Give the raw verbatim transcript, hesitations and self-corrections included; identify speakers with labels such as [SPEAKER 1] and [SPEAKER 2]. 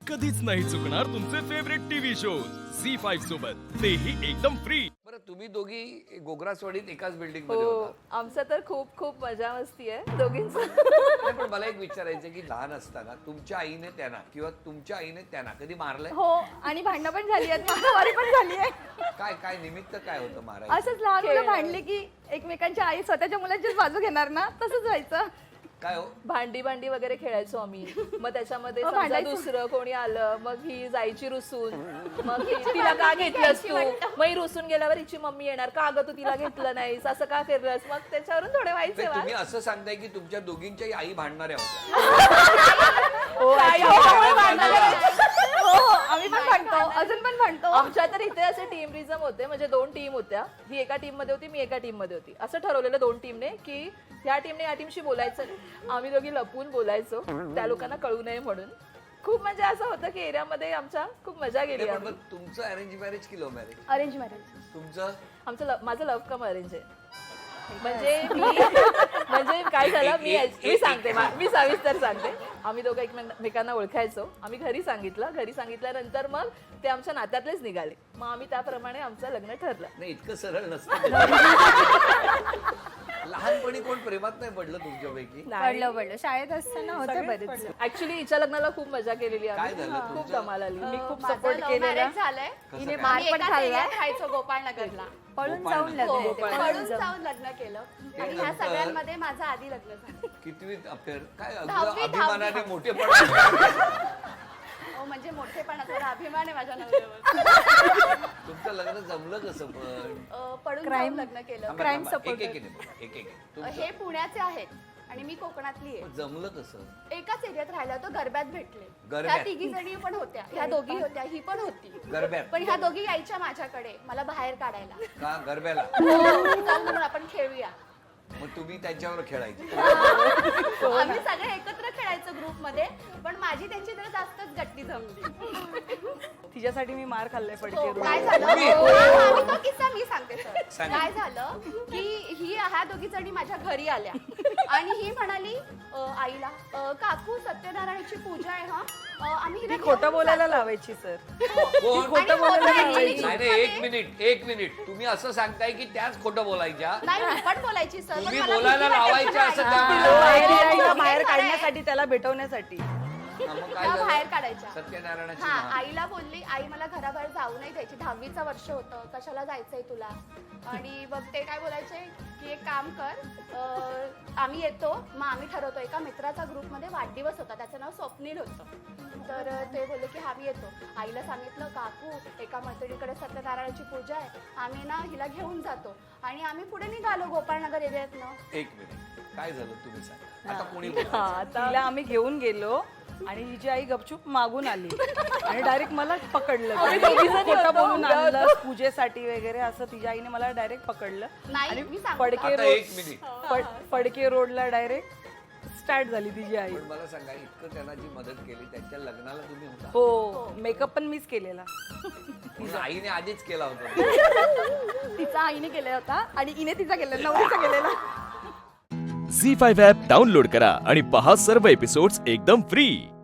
[SPEAKER 1] कधीच नाही चुकणार तुमचे favourite TV shows C five सोबत, तेही एकदम फ्री.
[SPEAKER 2] बरं, तुम्ही दोघी गोग्रासवाडीत एकाच बिल्डिंग मध्ये
[SPEAKER 3] हो,
[SPEAKER 2] होता.
[SPEAKER 3] आमचं तर खूप खूप मजा मस्ती आहे दोघींचं.
[SPEAKER 2] नाही, पण मला एक विचारायचं की लहान असताना तुमच्या आईने त्यांना किंवा तुमच्या आईने त्यांना कधी मारलंय?
[SPEAKER 4] हो, आणि भांडणं पण झाली आहेत, मारामारी पण झाली आहे.
[SPEAKER 2] काय काय निमित्त काय होतं मारायचं?
[SPEAKER 4] असंच लहान मुलं
[SPEAKER 3] खेळणं.
[SPEAKER 4] भांडली की एकमेकांच्या आई स्वतःच्या मुलांचीच बाजू घेणार ना, तसंच व्हायचं.
[SPEAKER 2] काय हो?
[SPEAKER 3] भांडी भांडी वगैरे खेळायचो आम्ही. मग त्याच्यामध्ये
[SPEAKER 4] हो,
[SPEAKER 3] समजा
[SPEAKER 4] भांडायचो.
[SPEAKER 3] दुसरं कोणी आलं, मग ही जायची रुसून, मग ही तिला का घेतलंस तू, मग ही रुसून गेल्यावर हिची मम्मी येणार, का अगं तू तिला घेतलं नाहीस, असं का केलंस, मग त्याच्यावरून थोडे व्हायचे
[SPEAKER 2] नाही,
[SPEAKER 3] वाद.
[SPEAKER 2] तुम्ही असं सांगताय की तुमच्या दोघींच्याही आई भांडणाऱ्या होत्या.
[SPEAKER 3] हो,
[SPEAKER 4] काय
[SPEAKER 3] actually
[SPEAKER 4] हो,
[SPEAKER 3] आम्ही
[SPEAKER 4] हो,
[SPEAKER 3] भांडायचो.
[SPEAKER 4] हो, हो, आम्ही पण भांडतो, अजून पण भांडतो.
[SPEAKER 3] आमच्या तर इथे असे टीमरिझम होते, म्हणजे दोन टीम होत्या. ही एका टीम मध्ये होती, मी एका टीम मध्ये होती. असं ठरवलेलं दोन टीमने की ह्या टीमने या टीमशी बोलायचं नाही. आम्ही दोघी लपून बोलायचो त्या लोकांना कळू नये म्हणून. खूप म्हणजे असं होतं की एरियामध्ये आमच्या खूप मजा गेली.
[SPEAKER 2] नाही, पण
[SPEAKER 3] आम्ही.
[SPEAKER 2] मग तुमचं अरेंज मॅरेज की लव्ह मॅरेज?
[SPEAKER 4] Arrange marriage.
[SPEAKER 2] तुमचं
[SPEAKER 3] आमचं लव- माझं लव्ह कम अरेंज आहे. म्हणजे मी म्हणजे काय झालं, मी मी सांगते मा- मी सविस्तर सांगते. आम्ही दोघं एकमेकांना ओळखायचो. आम्ही घरी सांगितलं, घरी सांगितल्यानंतर मग ते आमच्या नात्यातलेच निघाले. मग आम्ही त्याप्रमाणे आमचं लग्न ठरलं.
[SPEAKER 2] नाही, इतकं सरळ नसतं. लहानपणी कोण प्रेमात नाही पडलं तुमच्यापैकी?
[SPEAKER 4] पडलं पडलं शाळेत असताना होते बरेच.
[SPEAKER 3] ऍक्च्युली हिच्या लग्नाला खूप मजा केलेली
[SPEAKER 2] काय
[SPEAKER 3] आम्ही.
[SPEAKER 2] झालं
[SPEAKER 3] खूप
[SPEAKER 2] तुमचं?
[SPEAKER 3] धमाल आली.
[SPEAKER 4] मी खूप
[SPEAKER 5] माझं
[SPEAKER 4] सपोर्ट
[SPEAKER 5] love
[SPEAKER 4] केलेला.
[SPEAKER 5] marriage झालंय.
[SPEAKER 2] कसं
[SPEAKER 4] हिने
[SPEAKER 2] काय?
[SPEAKER 4] मार
[SPEAKER 5] आम्ही
[SPEAKER 4] पण
[SPEAKER 5] एकाच
[SPEAKER 4] खाल्ला.
[SPEAKER 5] एरियात राहायचो गोपाळनगरला.
[SPEAKER 4] पळून
[SPEAKER 2] गोपाळ
[SPEAKER 4] जाऊन
[SPEAKER 2] नगर.
[SPEAKER 4] लग्न
[SPEAKER 5] हो,
[SPEAKER 4] ते,
[SPEAKER 5] पळून
[SPEAKER 4] पळून जाऊन.
[SPEAKER 5] जाऊन लग्न केलं
[SPEAKER 2] ते
[SPEAKER 5] आणि ह्या
[SPEAKER 2] नंतर-
[SPEAKER 5] सगळ्यांमध्ये माझं आधी लग्न झालं.
[SPEAKER 2] कितवीत अफेअर? काय
[SPEAKER 5] दहावी,
[SPEAKER 2] अगदी अभिमानाने
[SPEAKER 5] दहावी.
[SPEAKER 2] मोठेपणा.
[SPEAKER 5] हो, म्हणजे मोठेपणा थोडा अभिमान आहे माझ्या नवऱ्यावर.
[SPEAKER 2] तुमचं लग्न जमलं कसं पण?
[SPEAKER 5] अं, पळून
[SPEAKER 4] Crime.
[SPEAKER 5] जाऊन लग्न केलं.
[SPEAKER 2] थांबा,
[SPEAKER 4] Crime
[SPEAKER 2] थांबा.
[SPEAKER 4] supporter.
[SPEAKER 2] एक एक एक एक एक एक.
[SPEAKER 5] अं,
[SPEAKER 2] तुमचं
[SPEAKER 5] हे पुण्याचे आहेत आणि मी कोकणातली आहे.
[SPEAKER 2] पण जमलं कसं?
[SPEAKER 5] एकाच एरियात राहिला होतो, गरब्यात भेटले.
[SPEAKER 2] गरब्यात?
[SPEAKER 5] ह्या तिघी जणी पण होत्या, ह्या दोघी होत्या, ही पण होती.
[SPEAKER 2] गरब्यात?
[SPEAKER 5] पण ह्या दोघी यायच्या माझ्याकडे मला बाहेर काढायला.
[SPEAKER 2] का गरब्याला?
[SPEAKER 5] चल म्हणून आपण खेळूया.
[SPEAKER 2] मग तुम्ही त्यांच्यावर खेळायचे?
[SPEAKER 5] आम्ही सगळे एकत्र खेळायचो ग्रुप मध्ये, पण माझी त्यांची जरा जास्तच गट्टी जमली.
[SPEAKER 4] तिच्यासाठी मी मार खाल्लाय
[SPEAKER 5] हो,
[SPEAKER 4] पडके.
[SPEAKER 5] काय झालं
[SPEAKER 2] तुम्ही?
[SPEAKER 5] हा, हा, मी तो किस्सा मी सांगते सर.
[SPEAKER 2] सांगा.
[SPEAKER 5] काय झालं की ही ह्या दोघी जणी माझ्या घरी आल्या आणि ही म्हणाली अ, आईला अ, काकू सत्यनारायणाची पूजा आहे हा, अ, आम्ही हिला
[SPEAKER 4] खोटं
[SPEAKER 5] घेऊन
[SPEAKER 4] बोलायला
[SPEAKER 5] जातो."
[SPEAKER 4] लावायची सर.
[SPEAKER 2] कोण?
[SPEAKER 4] खोटं
[SPEAKER 5] आणि
[SPEAKER 4] बोलायला
[SPEAKER 5] खोटं
[SPEAKER 4] लावायची.
[SPEAKER 2] नाही नाही, एक मिनिट एक मिनिट. तुम्ही असं सांगताय की त्याच खोटं बोलायच्या?
[SPEAKER 5] नाही मी पण बोलायची सर, पण
[SPEAKER 2] तुम्ही
[SPEAKER 5] मला
[SPEAKER 2] बोलायला
[SPEAKER 5] भीती वाटायची
[SPEAKER 2] लावायच्या असं
[SPEAKER 5] आई.
[SPEAKER 2] त्या-
[SPEAKER 4] बाहेर
[SPEAKER 5] हो,
[SPEAKER 4] यायला,
[SPEAKER 5] हे
[SPEAKER 4] बाहेर
[SPEAKER 5] खरं आहे.
[SPEAKER 4] काढण्यासाठी, त्याला भेटवण्यासाठी.
[SPEAKER 2] हा, मग काय
[SPEAKER 5] त्या
[SPEAKER 2] झालं?
[SPEAKER 5] बाहेर काढायच्या.
[SPEAKER 2] सत्यनारायणाची
[SPEAKER 5] हा,
[SPEAKER 2] मान.
[SPEAKER 5] आईला बोलली, आई मला घराबाहेर जाऊ नाही द्यायची, दहावीचं वर्ष होतं, कशाला जायचंय तुला. आणि मग ते काय बोलायचे की एक काम कर, अं, आम्ही येतो, मग आम्ही ठरवतो. एका मित्राचा ग्रुपमध्ये वाढदिवस होता, त्याचं नाव स्वप्नील होतं. तर अं, ते बोलले की आम्ही येतो. आईला सांगितलं काकू एका मैत्रिणीकडे सत्यनारायणाची पूजा आहे, आम्ही ना हिला घेऊन जातो. आणि आम्ही पुढे निघालो गोपाळनगर एरियातनं.
[SPEAKER 2] एक मिनिट, काय झालं तुम्ही सांगा. आता कोणी
[SPEAKER 4] हा,
[SPEAKER 2] बोलायचं?
[SPEAKER 4] तिला आम्ही घेऊन गेलो आणि हिची आई गपचूप मागून आली आणि डायरेक्ट मला पकडलं.
[SPEAKER 3] आम्ही दोघी जणी
[SPEAKER 4] खोटं
[SPEAKER 3] होतो.
[SPEAKER 4] बोलून आणलं पूजेसाठी वगैरे असं. तिच्या आईने मला डायरेक्ट पकडलं
[SPEAKER 5] नाही,
[SPEAKER 4] आणि
[SPEAKER 5] मी सांगते.
[SPEAKER 4] फडके
[SPEAKER 2] आता
[SPEAKER 4] रोड
[SPEAKER 2] एक मिनिट.
[SPEAKER 4] फड- फडके रोडला डायरेक्ट स्टार्ट झाली तिची आई.
[SPEAKER 2] पण मला सांगा, इतकं त्यांना जी मदत केली त्यांच्या लग्नाला तुम्ही होता?
[SPEAKER 4] हो, मेकअप पण मीच केलेला.
[SPEAKER 2] म्हणून आईने आधीच केला होता.
[SPEAKER 4] तिचा आईने केला होता आणि इने तिचा केलेला, नवरीचा केलेला.
[SPEAKER 1] झी फाईव्ह ॲप डाउनलोड करा आणि पहा सर्व एपिसोड्स एकदम फ्री.